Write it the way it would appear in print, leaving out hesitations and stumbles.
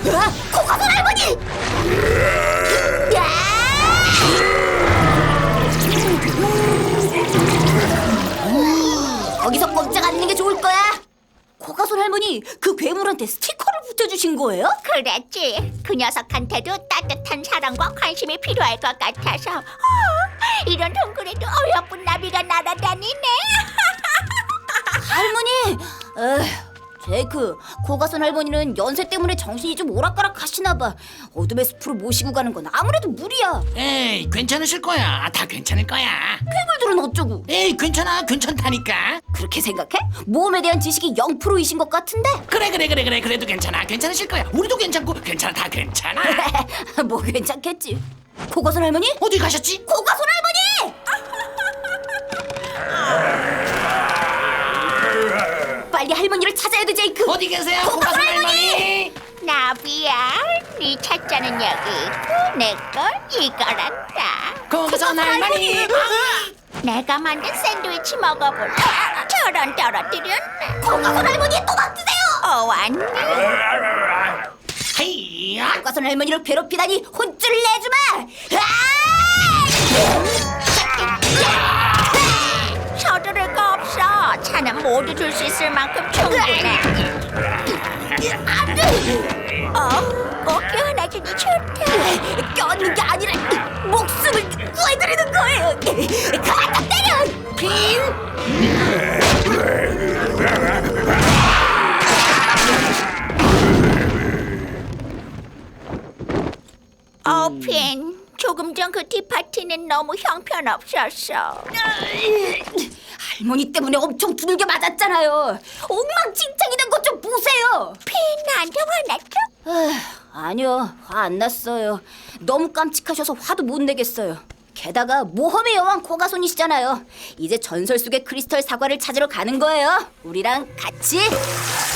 코가손 할머니! 야! 거기서 꼼짝 않는 게 좋을 거야. 코가손 할머니, 그 괴물한테 스티커를 붙여주신 거예요? 그랬지. 그 녀석한테도 따뜻한 사랑과 관심이 필요할 것 같아서. 이런 동굴에도 어여쁜 나비가 날아다니네. 할머니! 제이크, 코가손 할머니는 연세 때문에 정신이 좀 오락가락 하시나 봐. 어둠의 숲으로 모시고 가는 건 아무래도 무리야. 에이, 괜찮으실 거야. 다 괜찮을 거야. 괴물들은 어쩌고? 에이, 괜찮다니까. 그렇게 생각해? 모험에 대한 지식이 0%이신 것 같은데? 그래. 그래도 괜찮으실 거야. 우리도 괜찮고 괜찮아, 다 괜찮아. 뭐 괜찮겠지. 코가손 할머니? 어디 가셨지? 코가손 할머니! 빨리 할머니를 찾아야 돼, 제이크. 어디 계세요, 코가손 코가손 할머니! 할머니? 나비야, 네 찾자는 여기 있고 내 건 이거란다. 코가손 할머니. 내가 만든 샌드위치 먹어볼래? 저런 떨어뜨렸네. 코가손 할머니 또 맡으세요! 왔니? 헤이야. 코가손 할머니를 괴롭히다니 혼쭐을 내주마! 서두를 거 없어. 차는 모두 줄 수 있을 만큼 충분해. 꼭 껴안아주니 좋다. 껴안는 게 아니라 목숨을 구해드리는 거예요! 그만 때려! 핀. 조금 전 그 티파티는 너무 형편없었어. 할머니 때문에 엄청 두들겨 맞았잖아요. 엉망진창이 된 것 좀 보세요. 핀, 나한테 화났어? 아니요, 화 안 났어요. 너무 깜찍하셔서 화도 못 내겠어요. 게다가 모험의 여왕 코가손이시잖아요. 이제 전설 속의 크리스털 사과를 찾으러 가는 거예요. 우리랑 같이.